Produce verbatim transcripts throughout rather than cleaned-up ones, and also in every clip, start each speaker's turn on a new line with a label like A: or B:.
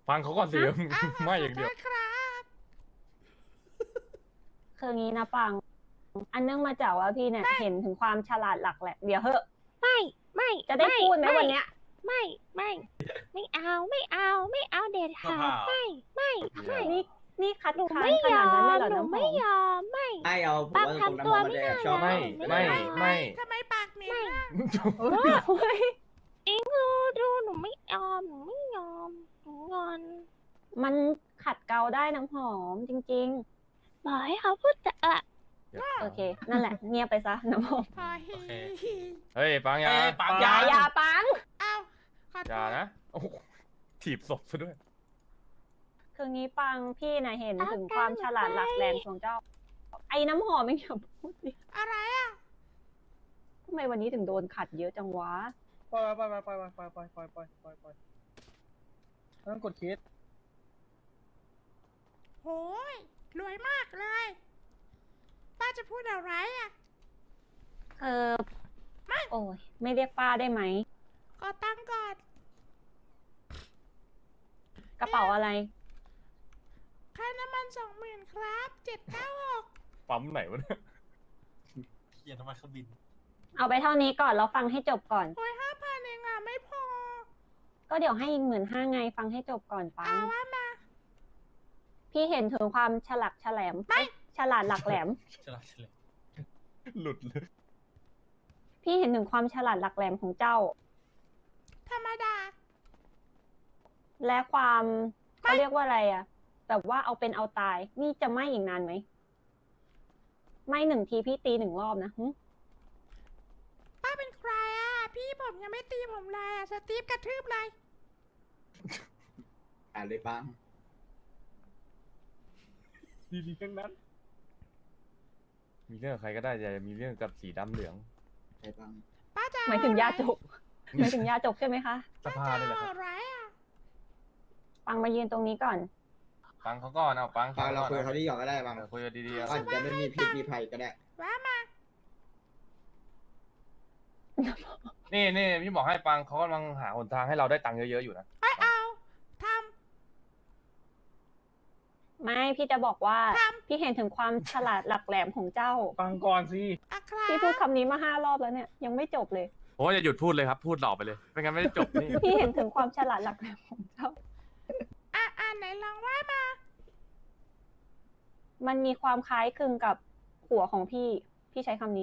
A: ฟังเขาก่อนสิไม่อย่างเดียว
B: ครับ
C: คืองี้นะปัง อันเนื่องมาจากว่าพี่เนี่ยเห็นถึงความฉลาดหลักแหละเดี๋ยวเหอะ
B: ไม่ไม่
C: จะได้พูดไหม
B: ไม่
C: วันเนี้ย
B: ไม่ไม่ไม่เอาไม่เอาไม่เอาเด็ดขาดไม่ไม่ไม่
C: นี่นี่คัด
B: หนู
C: ค้าน
B: ไม่
C: ข
B: ย
C: นา
B: อ
C: ดนั้นเลย
B: ม
C: เหรอ
B: หนู
C: น้ำห
B: ไม่
C: อม
B: ยอมไม่
D: ไม่เอาผม
B: ปาก
D: ว่า
B: ทำตัว
D: น้ำหอม
B: ไม่
D: มันจะแอบชอบ
B: ได้
A: ไม่
B: ไม่
A: ไม่
B: เอา
A: ไม่
B: ทำไมปากเหม็น
C: เฮ้ย
B: อิงดูดูหนูไม่ยอมหนูไม่ยอมหนูงอน
C: มันขัดเกลาได้น้ำหอมจริง
B: บอกให้เขาพูดจะเออ
C: ๆ โอเค นั่นแหละ เงียบไปซะน้ำหอม
B: พอฮี
A: เฮ้ยปังยา
E: เอ้ยปัง
C: อย่าอย่าปัง
B: เอาขอโท
A: อย่า
B: ษ
A: นะโอ้โหถีบศพซะด้วย
C: คืองี้ปังพี่น่ะเห็นถึงความฉลาดหลักแหลมของเจ้า ไอ้น้ำหอมไม่อย่าพูดดิ
B: อะไรอ่ะ
C: ทำไมวันนี้ถึงโดนขัดเยอะจังวะ
E: ปล่อยปล่อยปล่อยปล่อยปล่อยปล่อยปล่อยปล่อยปล่อยต้องกดคิด
B: โหยรวยมากเลยป้าจะพูดอะไรอ่ะ
C: เออโอ้ยไม่เรียกป้าได้ไหม
B: ขอตังค์ก่อน
C: กระเป๋าอะไร
B: ค่าน้ำมันสองหมื่นครับเจ็ดเก้าหก
A: ปั๊มไหนวะเนี่ย
E: เขียนทำไมเครื่องบิน
C: เอาไปเท่านี้ก่อนแล้วฟังให้จบก่อน
B: โอ้ยห้าพันเองอ่ะไม่พอ
C: ก็เดี๋ยวให้อีกหมื่นห้าไงฟังให้จบก่อนปั
B: เอา
C: ง
B: ว่ามา
C: พี่เห็นถึงความฉลักฉแหลม
B: ไม่
C: เอ๊ะฉลาดหลักแหลม
E: ฉลาดเฉลย
A: หลุดเลย
C: พี่เห็นถึงความฉลาดหลักแหลมของเจ้า
B: ธรรมดา
C: และความเขาเรียกว่าอะไรอะแบบว่าเอาเป็นเอาตาย นี่จะไม่อีกนานไหม ไม่หนึ่งทีพี่ตีหนึ่งรอบนะหึ
B: ป้าเป็นใครอ่ะ พี่ผมยังไม่ตีผมเลยอ่ะ สตีฟกระทืบเลย
D: อ่านเลยปัง
A: ดีๆทั้งนั้น มีเรื่องกับใครก็ได้อย่ามีเรื่องกับสีดำเหลือง
D: ใช่ปัง
B: ป้าจะ
C: หมายถึงยาจกหมายถึงยาจกใช่ไหมคะ
A: สภานี่แหละครับ
B: อะไรอ่ะ
C: ปังมายืนตรงนี้ก่อน
A: ฟังเขาก่อนเอาฟัง
D: ปังเรา
A: ก่อน
D: คุยเขาที่หยอกก็ได้ปัง
A: เออคุยกันดีๆ
D: อา
A: เอา
D: จจะไม่มีพิษมีภัยก็ได้
B: ว่ามา
A: นี่นี่พี่บอกให้ปังเขากำลังหาหนทางให้เราได้ตังค์เยอะๆอยู่นะ
B: ไอ้เอาท
C: ไม่พี่จะบอกว่า
B: ครับ
C: พี่เห็นถึงความฉลาดหลักแหลมของเจ้า
E: ฟังก่อนสิ
B: ำอะครับ
C: พี่พูดคำนี้มาห้ารอบแล้วเนี่ยยังไม่จบเลย
A: โอ้ยอย่าหยุดพูดเลยครับ พูดต่อไปเลยไม่งั้นไม่ได้จบนี่
C: พี่เห็นถึงความฉลาดหลักแหลมของเจ้า
B: อ่ะอ่านไหนลองว่ามา
C: มันมีความคล้ายคลึงกับหัวของพี่ พี่ใช้คำนี้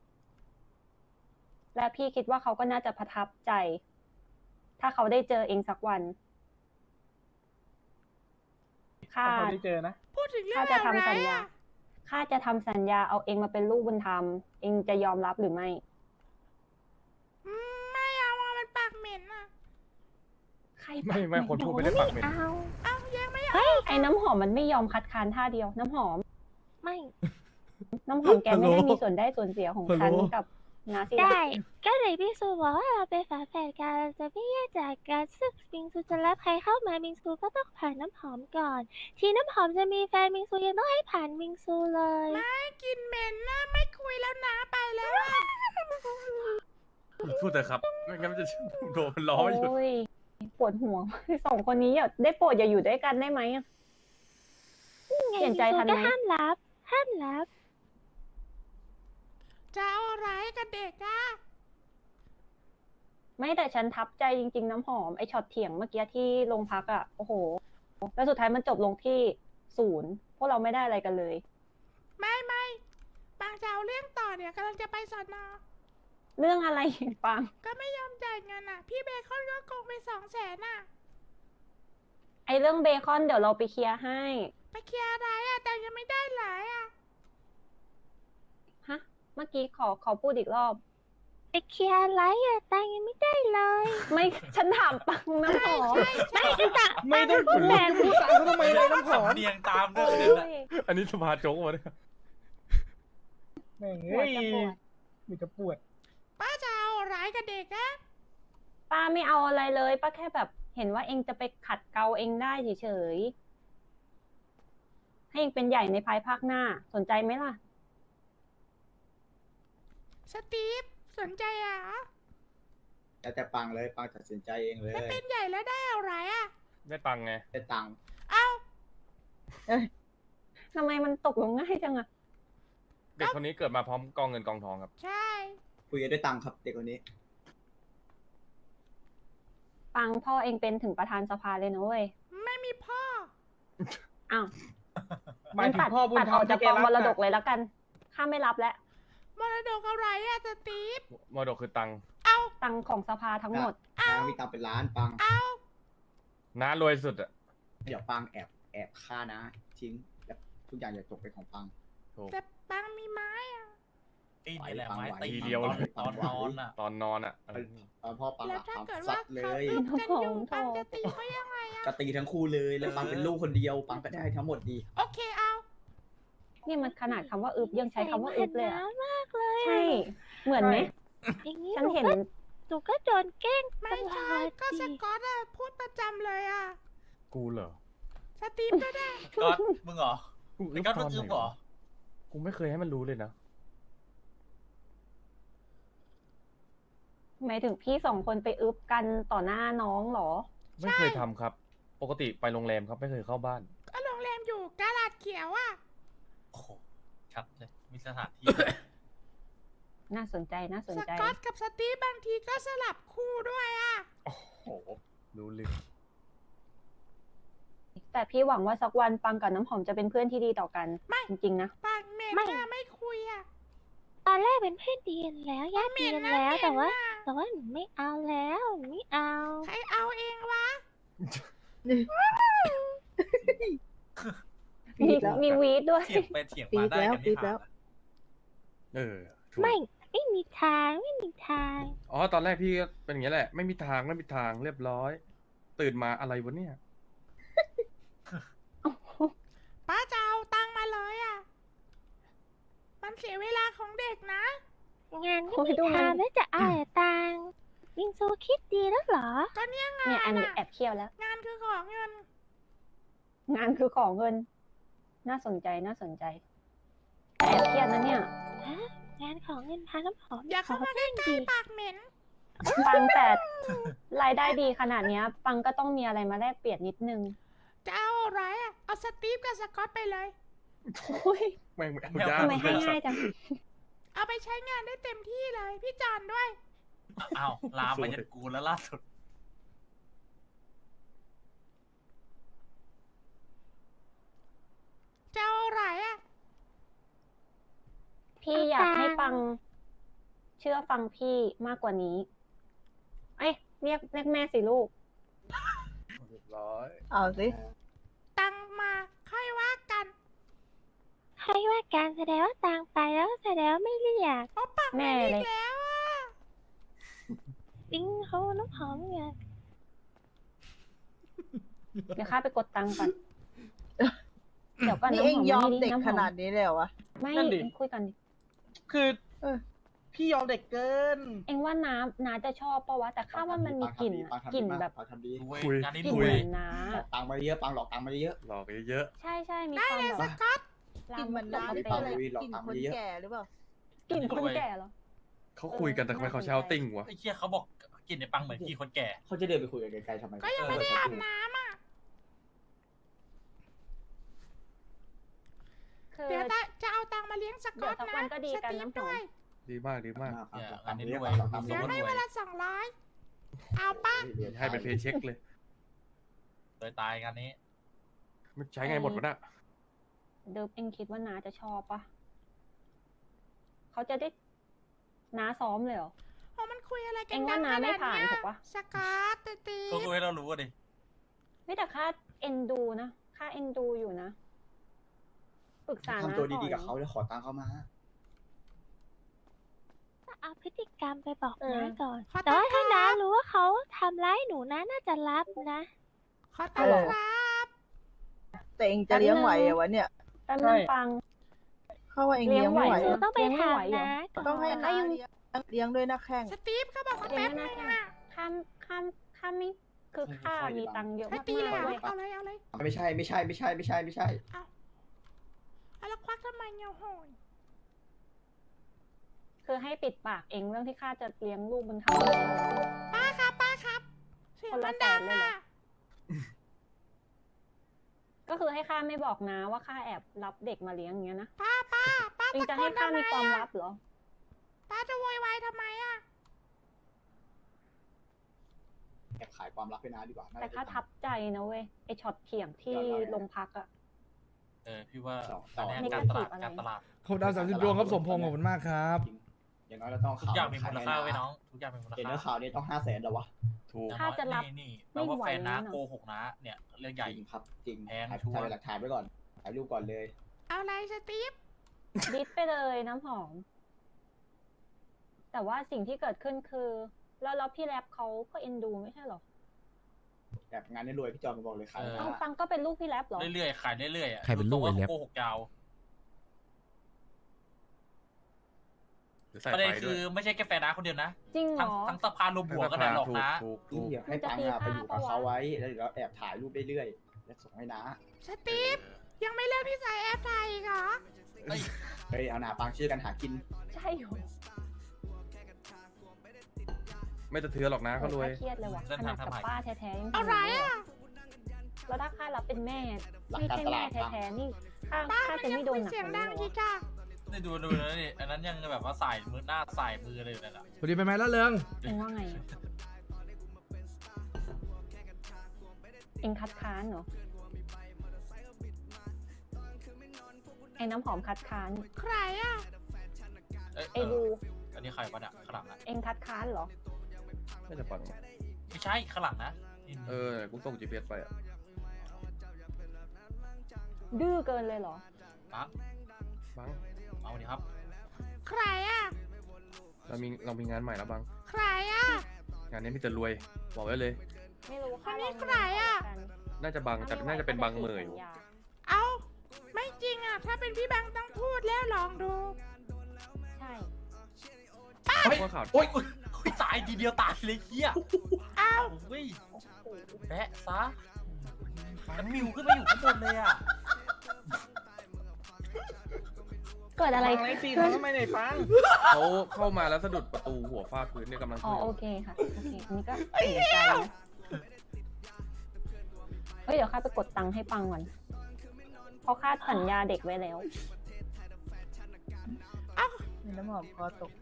C: และพี่คิดว่าเขาก็น่าจะประทับใจ ถ้าเขาได้เจอเองสักวันข้า
E: ถ้าเขาได้เจอนะ
B: พูดถึงเรื่อ
C: ข้าง จะ
B: อะไร
C: ทำสัญญา
B: อ่ะ
C: ข้าจะทำสัญญาเอาเองมาเป็นลูกบุญธรรม เองจะยอมรับหรือไม่
B: อืมไม่เอาอ่ะมันปากเหม็นอ่ะ
C: ใคร
A: ไม่ไม่คนพูดไม่ได้ปากเหม็น
B: เอาเอายังไม่เอา
C: ไอ้น้ำหอมมันไม่ยอมคัดค้านท่าเดียว น้ำหอม
B: ไม่
C: น้ำหอมแกไม่ได้มีส่วนได้ส่วนเสียของฉันกับนาซี
B: ได้ ก็เลยพี่ซูบอกว่าเราเป็นฝาแฝดกันเราจะไม่แยกจากกันซึ่งบิงซูจะรับใครเข้ามาบิงซูก็ต้องผ่านน้ำหอมก่อน ทีน้ำหอมจะมีแฟนบิงซูยังต้องให้ผ่านบิงซูเลยไม่กินเหม็นนะไม่คุยแล้วนะไปแล้วอะ
A: พูดเถอะครับไม่งั้นมันจะโดนมันล้ออยู่
C: โอ้ยปวดหัว สองคนนี้อย่าได้โปรดอย่าอยู่ด้วยกันได้ไหมอะ เปลี่ยนใจทันไหม
B: ก็ห้ามรับ ห้ามรับ จะเอาอะไรกับเด็กอะ
C: ไม่แต่ฉันทับใจจริง ๆ น้ำหอมไอช็อตเถียงเมื่อกี้ที่โรงพักอ่ะโอ้โห แล้วสุดท้ายมันจบลงที่ศูนย์พวกเราไม่ได้อะไรกันเลย
B: ไม่ไม่ปางจะเอาเรื่องต่อเนี่ยกำลังจะไปสอนอ
C: เรื่องอะไรปัง
B: ก็ไม่ยอมจ่ายเงินอ่ะ พี่เบคอนก็โกงไปสองแสนอ่ะ
C: ไอเรื่องเบคอนเดี๋ยวเราไปเคลียร์ให้
B: ไปเคลียร์อะไรอ่ะแต่ยังไม่ได้หลายอ่ะ
C: ฮะ เมื่อกี้ขอขอพูดอีกรอบ
B: ไปเคลียร์อะไรอ่ะแต่ยังไม่ได้เลย
C: ไม่ฉันถามปังน้ำหอม
B: ไม่จะตะ
E: ไม่ต้องพูดแรงพูดตามเขาทำไมเลยน้ำหอม
F: สำเนียงตามด้
C: โอ้
F: วยเนี่ยนะ
C: ย
A: อันนี้สภาโจ๊กมาเนี่ย
E: แม่ง
C: ปว
E: เฮ้
C: ด
E: ย
C: จะปวด
E: มีจะปวด
B: ป้าจะเอาอะไรกับเด็กอ่ะ
C: ป้าไม่เอาอะไรเลยป้าแค่แบบเห็นว่าเองจะไปขัดเกลาเองได้เฉยๆให้เองเป็นใหญ่ในภายภาคหน้าสนใจไหมล่ะ
B: สตีฟสนใจอ่ะ
D: แล้วแต่ปังเลยปังตัดสินใจเองเลย
B: เป็นใหญ่แล้วได้อะไรอ่ะ
A: ได้ตังค์ไง
D: ได้ตังค์
F: เอ้า
C: ทำไมมันตกลงง่ายจังอะ
A: เด็กคนนี้เกิดมาพร้อมกองเงินกองทองครับ
F: ใช่
D: คุยกันได้ตังค์ครับเด็กคนนี้
C: ปังพ่อเองเป็นถึงประธานสภาเลยนะเว้ย
F: ไม่มีพ่อ
C: อ้าว
E: หมายถึง
C: ตัด
E: พ่อบุญ
C: ตัด
E: ธร
C: อ
E: ร
C: อ
E: ม
C: กจาก
E: ที่
C: กอง
E: แรั
C: มรดก
E: น่ะ
C: เลยแล้วกันข้าไม่รับแล้ว
F: มรดกอะไรอะสตีฟ
A: มรดกคือตังค์
F: เอา
C: ตังค์ของสภาทั้งหมด
D: ปังมีตังค์เป็นล้านปัง
F: เอา
A: น้ารวยสุดอะ
D: เดี๋ยวปังแอบแอบฆ่านะทิ้งแล้วทุกอย่างจะตกเป็นของปัง
A: ถูก
F: แต่ปังมีไม้อะ
G: ตีนี่แหละไม้
D: ไหว
G: ตี
A: ทีเดียว
G: ตอน
A: เลย
G: ตอนนอนอ่ะ
A: ตอนนอนอะเออ
D: ตอนพ่อปัง
F: แล้
D: ห
F: ว
D: ลับ
F: ถ้า
D: ปัง
F: เกิด
D: ซั
F: ว่า
D: ดเล
F: เขา
D: ย
F: อึกันอยู่
C: โถ่
F: ปังจะตีเขายังไงอะ
D: ก็ตีทั้งคู่เลยแล้วปังเป็นลูกคนเดียว ปังก็ได้ทั้งหมดดี
F: โอเคเอา
C: นี่มันขนาดคำว่าอึบยังใช้คำว่าอึบเลยอะ
B: น้ำมากเลย
C: ใช่ เหมือนไหม
B: อย่างนี้
C: ฉั
B: ห
C: น
B: นู
C: เห็น
B: ก็หนูก็โดนแกล้งต
F: ไม่
B: ล
F: ใช่
B: อด
F: ก็ส
B: ดิ
F: กอตอะพูดประจำเลยอะ
A: กูเหรอ
F: สตีฟก็ได้
G: ก็มึงเหรอ
A: กู
G: ไอ้ก็มึงอึบเหรอ
A: กูไม่เคยให้มันรู้เลยนะ
C: หมายถึงพี่สองคนไปอึบกันต่อหน้าน้องเหรอ
A: ไม่เคยทำครับ ปกติไปโรงแรมครับไม่เคยเข้าบ้าน
F: ก็โรงแรมอยู่กาลาดเขียวอะ
G: โอ้โหชัดเลย มีสถานที่
C: น่าสนใจน่าสน
F: ส
C: ใจ
F: กอตกับสตีฟบางทีก็สลับคู่ด้วยอะ
A: โอ้โห รู้ลึก
C: แต่พี่หวังว่าสักวันปังกับน้ำหอมจะเป็นเพื่อนที่ดีต่อกัน จริงๆนะ
F: ปากเหม็นอะไม่คุยอะ
B: ตอนแรกเป็นเพื่อนดีกันแล้วญาติดีกันแล้ว แต่ว่า แต่ว่าหนูไม่เอาแล้วหนูไม่เอา
F: ใครเอาเองวะ
C: มีมีวีดด้วย
G: เถียงไปเถียงมาได้กันไม่ผ่าน
A: เออถูก
B: ไม่ไม่มีทางไม่มีทาง
A: อ๋อ ตอนแรกพี่ก็เป็นอย่างนี้ยแหละ ไม่มีทางไม่มีทางเรียบร้อย ตื่นมาอะไรวะเนี่ย
F: ป้าจะเอาตังค์มาเลยอะมันเสียเวลาของเด็กนะ
B: งานก็
C: โอ้ย
B: ไม่
C: ดูมัน
B: ทำแล้วจะเอาแต่ตังค์วิงซูคิดดีแล้วเหรอ
F: ก็เนี่ยงา
C: เนี่ยอั
F: น
C: นนี้
F: อะ
C: แอบเคี่ยวแล้ว
F: งานคือของเงิน
C: งานคือของเงิน น่าสนใจน่าสนใจแต่แอบเคี่ยวนะเนี่ย
B: ฮะงานของเงินพาน้ำหอม
F: อย่าเข้ามาใก
B: ข
F: ล้
B: อบ้ง
F: ๆปากเหม็น
C: ปังแต่รายได้ดีขนาดเนี้ย ปังก็ต้องมีอะไรมาแลกเปลี่ยนนิดนึง
F: จะเอาอะไรอะเอาสตีฟกับสกอตไปเลย
C: โอ้ย
A: แม่งไม่เอา
G: ไม่เอา
A: ยาก
C: ทำไมให้ง่ายจัง
F: เอาไปใช้งานได้เต็มที่เลย พี่จอนด้วย
G: อ้าวลามมาจากกูแล้วล่าสุด
F: จะเอาอะไรอะ
C: พี่อยากให้ปัง เชื่อฟังพี่มากกว่านี้ เอ้ยเรียกเรียกแม่สิลูก
A: เรียบร้อย
E: เอาสิ
F: ตังค์มาค่อยว่ากัน
B: ใครว่าการแสดงว่าตังค์ไปแล้วแสดงว่าไม่เรียก
F: เพราะปากเหม็น
C: แม่
F: อี
C: เล
F: ก
C: ย
F: แล้วอะ
B: วิงเขาน้ำหอมเนี่ย
C: เดี๋ยวข้าไปกดตังค์ก่อน เดี๋ยวก่อน
E: นี่
C: น้ำ
E: เอ
C: ห
E: ง
C: อม
E: ยอม
C: นี่
E: เด็ก
C: น้ำห
E: ข
C: อม
E: นาดนี้เลยเหรอวะ
C: ไม่
E: นั่นดิ
C: คุยกันดิ
E: คือเออพี่ยอมเด็กเกิน
C: เองว่าน้ำน้าจะชอบปะวะ แต่ข้าว่ามันมีกลิ่นอะ
D: ปังทำดี
C: กลิ่น
D: ปังทำดี
C: แบบ
D: ปังทำดี
G: รวย
A: คุย
G: งานนี้
C: กลิ่น
G: รว
C: เห
G: ย
C: มือนน้า
D: หลอกตังค์มาเยอะปังหลอกตังค์มาเยอะ
A: หลอกเยอะ
C: ใช่ใช่มี
F: ได้
C: ความ
F: เลย
C: แบ
F: ส
C: บ
F: กอต
E: กลิ่นเหมือน
C: ลา
E: น้ำ
C: ม
E: ที่
C: ก
E: เป็นอะไร
D: หลอก
E: กลิ่น
D: ตังค์
E: คน
D: เยอะ
E: แก่หรือเปล่า
C: กลิ่นคนแก่เหรอ
A: ๆเขาคุยกันแต่ทำไมเขาใช้เอาติ้งวะ
G: ไอ้เชี่ยเขาบอกกินในปังเหมือนกี่คนแก่
D: เขาจะเดินไปคุยกันไกลๆทำไม
F: ก็ยังไม่ได้อาบน้ำอะ
C: คือ
F: เดี๋ยวจะจะเอาตังค์มาเลี้ยงสกอต
C: เดี๋ยวสัก
F: นะ
C: วันก็ดี
F: ส
C: กัน
F: ตีฟ
C: น้ำหอม
F: ด้วย
A: ดีมากดีมาก
G: เนี่ย
D: ตังค์
G: อันนี้
D: เยอะ
G: ด้วย
D: หลอกตังค์
F: เดี๋ยว
D: เยอะ
F: ให้เวลาสองร้อยเอาปะ
A: ให้เป็นเพย์เช็คเลย
G: โดยตายงานนี้
A: มันใช้ไงหมดวะน่ะ
C: เดิมเองคิดว่าน้าจะชอบปะเขาจะได้น้าซ้อมเลยเหรอ
F: โอ้มันคุยอะไรกั
C: เอ็
F: น
C: งว่า
F: ดัง
C: น้า
F: ข
C: ไม่
F: นาด
C: ผ่าน
F: เนี้ย
C: ถูกปะ
F: สกอตสตี
G: ก็
F: ฟ
G: คุยให้เรารู้อะดิ
C: ไม่แต่ค่าเอ็นดูนะค่าเอ็นดูอยู่นะปรึกษาน้า
D: ทำตัวดีๆ
C: ก่
D: กั
C: อบ น
D: เขาแล้วขอตังค์เขามา
B: เอาพฤติกรรมไปบอก
C: เออ
B: น้าก่อน
F: ขอ
B: แต่
F: ตัง
B: ว่า
F: ค์ค
B: ถ้าน้า
F: รับ
B: รู้ว่าเขาทำร้ายหนูนะน่าจะรับนะ
F: ขอตังค์ครับ
E: แต่เองจะเลี้ยงไหวเหรอวะเนี่ย
C: แป๊บนึงปัง
E: เข้าว่าเองเลี้ยงไม่ไหว
C: เลี้ยงไหว
B: หนูต้องไป
C: เลี้ยงไม่
B: ถาม
C: ไหวเหรอ
B: น้าก่อน
E: ต้องให้
C: แต่ก็
E: น้า
C: ยัง
E: เลี้ยงเลี้ยงด้วยนะแข้ง
F: สตีฟเขาบอกว่า
C: เลี้ย
F: แป๊
C: ง
F: บ
C: ไม่
F: นึง
C: น่า
F: อะ
C: ข้ามข้ามข้ามไม่คือข้ามีตังค์เยอะ
F: ให้
C: มาก
F: ตีเลย
C: ๆ
F: อะ
C: เว้ย
F: เอาเลยเอาเลย
D: ไม่ใช่ไม่ใช่ไม่ใช่ไม่ใช่ไม่ใช่
F: เอาเอาแล้วควักทำไมเงาโหย
C: คือให้ปิดปากเองเรื่องที่ข้าจะเลี้ยงลูกบุญธรรม
F: ป้าครับป้าครับเสียงมันดังอะ
C: ก็คือให้ข้าไม่บอกนะว่าข้าแอบรับเด็กมาเลี้ยงอย่างเงี้ยนะ
F: ป้าป้าป้า
C: เองจะ
F: ตะโก
C: ให้
F: น
C: ข้า
F: ทำไม
C: มีความ
F: อะ
C: ลับเหรอ
F: ป้าจะโวยวายทำไมอะ
D: แอบขายความลับให้น้าดีกว่าน่
C: แต่
D: จะ
C: ข้า
D: ได้
C: ทับใจนะเว้ยไอช็อตเถียงที่
D: ยอดเลยนะ
C: โรงพักอะ
G: เออพี่ว่า
D: ต่อต่
G: อั
D: อ
G: นเนี้ย
C: ใน
G: การตลาด
C: อะไร
G: การตลาด
H: ขอบดาวสามสิบดวงครับสมพงษ์ขอบคุณมากครับ
D: จริงอย่างน้อยเราต้อง
G: ทุก
D: ข่าว
G: อย่างมี
D: ข
G: มูล
D: ให้
G: ค่าไว้น้องทุกอย่างมีมูล
D: เห็น
G: ค่า
D: เนื้อข่าวเนี่ยต้องห้าแสนแล้ววะ
A: ถูก
G: อย่ง
C: ถ้า
G: น้อย
C: จะรับ
G: นี่นี่แป
C: ไม่
G: ลว่า
C: ไหว
G: แฟนนะ
C: นะ
G: โกหกนะ เนี่ยเรื่องใหญ่
D: จริงครับจริง
G: แพง
D: ถ่าย
G: ชัวร์
D: ถ่ายหลักฐานไว้ก่อนถ่ายรูปก่อนเลย
F: เอาอะไรสตีฟ
C: ดิสไปเลยน้ำหอม แต่ว่าสิ่งที่เกิดขึ้นคือ แล้วแล้วพี่แรปเขาก็เอ็นดูไม่ใช่เหรอ
D: แบบงานนี้รวยพี่จอมมาบอกเลยขาย
G: เออ
C: เอาฟังก็เป็นลูกพี่แรปเหรอ
G: เรื่อยๆขายเรื่อยๆอ่ะ
H: ใครเป็นลูกไอ้แล็บ
G: โกหกยาว
A: หรือใส่
G: ประเด็น
A: ไฟด้
G: คื
A: วย
G: อไม่ใช่แค่แฟนนะคนเดียวนะ
C: จริงเหร
G: ทั้ง
C: อ
G: ทั้งสภารวมหัวก็ได้หรอกนะ
A: ถูก
D: ที่
A: ถูก
D: เดี๋ยวให้ปังอะไปอยู่กับเขาไว้แล้วเดี๋ยวแอบถ่ายรูปเรื่อยๆแล้วส่งให้น้า
F: สตีฟยังไม่เลิกที่ใส่แอปไทยอีกเหรอ
G: เอ้ย
D: เฮ้ยเอาหนาปังชื่อกันหากิน
C: ใช่เหรอ
A: ไม่จะเทือนหรอกนะเขารวย
C: โอ้ยข้าเครียดเลยว่ะขนาดกับป้าแท้ๆยังทำ
F: อะไร
C: ย่างนี้เลย
F: อะ
C: แล้วถ้าข้ารับเป็นแม่
D: หลัก
C: ไม่
D: การ
C: ใช่
D: ต
C: แม่
D: ลาดครับ
C: แท้ๆนี่ข้า
F: ป้า
C: ข้า
F: มัน
C: จะ
F: ยัง
C: ไม่โด
F: คุ
C: น
F: ย
C: หนัก
F: เสียง
C: กว่า
F: ดั
C: นี้
F: ง
C: เหร
F: อี
C: อก
F: จ้ะ
G: นี่ดูดูนะนี่อันนั้นยังแบบว่าสายมือหน้าสายมือเลยนั่นแหละ
H: พอดีไปไหมละเริง
C: เองว่าไงอะเองคัดค้านเหรอไอ้น้ำหอมคัดค้าน
F: ใครอะ
G: เอ้ย
C: ไอ้
G: เอ
C: บู
G: ออันนี้ใครวะเนี่ยข้างหลังนะ
C: เองคัดค้านเหรอ
A: ไม่จะปัง
G: ไม่ใช่ข้างหลังนะนี่
A: เออกูส่ง จี พี เอส ไปอ่ะ
C: ดื้อเกินเลยเหรอ
G: ปัง
A: บัง
G: เอาดิครับ
F: ใครอะ
A: เรามีเรามีงานใหม่แล้วบัง
F: ใครอะ
A: งานนี้มีแต่รวยบอกไว้เลย
C: ไม่รู้
F: คนนี้
C: ลอง
F: ใครอะ
C: กัน
A: น่าจะบังแต่น่าจะเป็นบังเหมยอยู่
C: สัญญา
F: เอาไม่จริงอะถ้าเป็นพี่แบงค์ต้องพูดแล้วลองดู
C: ใช่
G: เฮ้ย
A: ว่าข่าว
G: โอ๊ยโอ๊ยโอ๊ยตายทีเดียวตายเลยเฮีย
F: เอา
G: โอ้ย
C: โอ้โห
G: แปะซะแล้วมิวขึ้นมาอยู่ข้างบนเลยอ่ะ
C: เกิดอะไร
E: ปัง
C: ขึ้
E: ไอ้
C: น
E: ตีเขาทำไมไหนปัง
A: เขาเข้ามาแล้วสะดุดประตูหัวฟาดพื้นเนี่ยกำลัง
C: อ๋อ
A: คุย
C: โอเคค่ะ โอเค อันนี้ก็เสียใจนะเฮ้ย เดี๋ยวข้าไปกดตังค์ให้ปังก่อน เพราะข้าสัญญาเด็กไว้แล้ว
E: น้ำหอมคอตก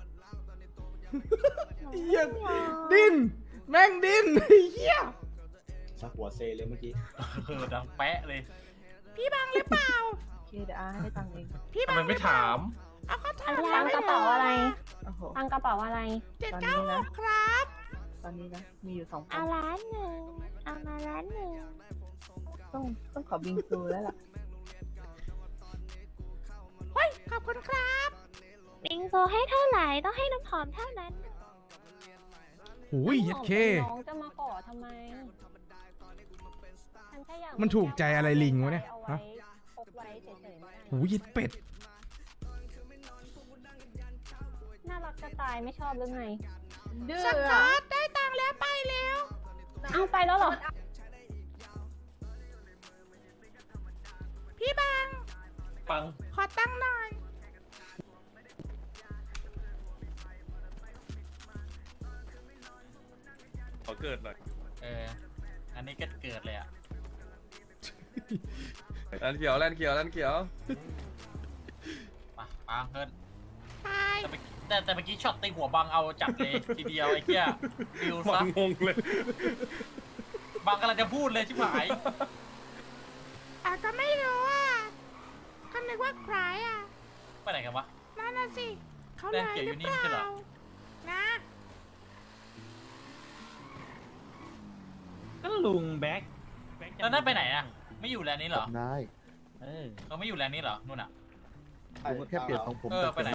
H: เหี้ยดิ้น แม่งดิ้นเฮีย
D: ชักหัวเซเลยเมื่อกี้
G: เออดังแปะเลย
F: พี่บังหรือเปล่า
E: โอเคเดี๋ยวอาให้ตังค์เอง
F: พี่
A: ทำ
F: บัง
A: ไมไม่ถาม
F: เอาเขาถาม
C: ตังค์กระเป๋าอะไร
E: โอ้โห
C: ตังค์กระเป๋าอะไร
F: เจ็ดเก้าหกครับ
E: ตอนนี้นะ มีอยู่สองพั
B: เอา
E: น
B: ล้านหนึ่งเอามาล้านหนึ่ง
E: ต้องต้องขอบิงซูแล้วล่ะ
F: เฮ้ย ขอบคุณครับ
B: บิงโซให้เท่าไหร่ต้องให้น้ำหอมเท่านั้น
H: หูยเย็ดเค
C: น้องจะมาขอทำไมฉันแค่อยาก
H: มันถูกใจอะไรลิงวะเนี่ย
C: อาไว้
H: ฮะ
C: พกไว้เฉยๆไม่ได้
H: หูยเย็ดเป็ด
C: น่ารักจะตายไม่ชอบหรือไง
E: ดื้อ
F: สก
E: อะ
F: อตได้ตังค์แล้วไปแล้ว
C: เอาไปแล้วเหรอ
F: พี่บัง
G: ปัง
F: ขอตังค์หน่อย
A: ขอเกิดหน่อย
G: เออ อันนี้ก็เกิดเลยอ่ะ
A: แลนเขียวแลนเขียวแลนเขียว
G: มาปังเพิ่น
F: ไป
G: แต่เมื่อกี้แต่แต่เมื่อกี้ช็อตตีหัวบังเอาจัดเลยทีเดียวไอ้เหี้ยฟิว
A: บั
G: ซะ
A: งงงเลย
G: บังกำลังจะพูดเลยชิบหาย
F: อ่ะก็ไม่รู้อ่ะก็นึกว่าใครอ่ะ
G: ไปไหนกันวะ
F: นั่นน่ะสิ เขา
G: แด
F: เล
G: ง
F: ย
G: เขียว
F: ห
G: อยู่
F: รือ
G: นี่
F: เป
G: ไม่ใช่เหร
F: ล่า
G: อ
F: นะ
I: ก็ลุงแบ็ค
G: แล้วนั่นไปไหนอ่ะ ไม่อยู่แลนด์นี้เหรอ
I: ได้
G: เขาไม่อยู่แลนด์นี้เหรอนู่นอ่ะ
D: ผมก็แค่เปลี่ยนของผม
G: เออไปไหน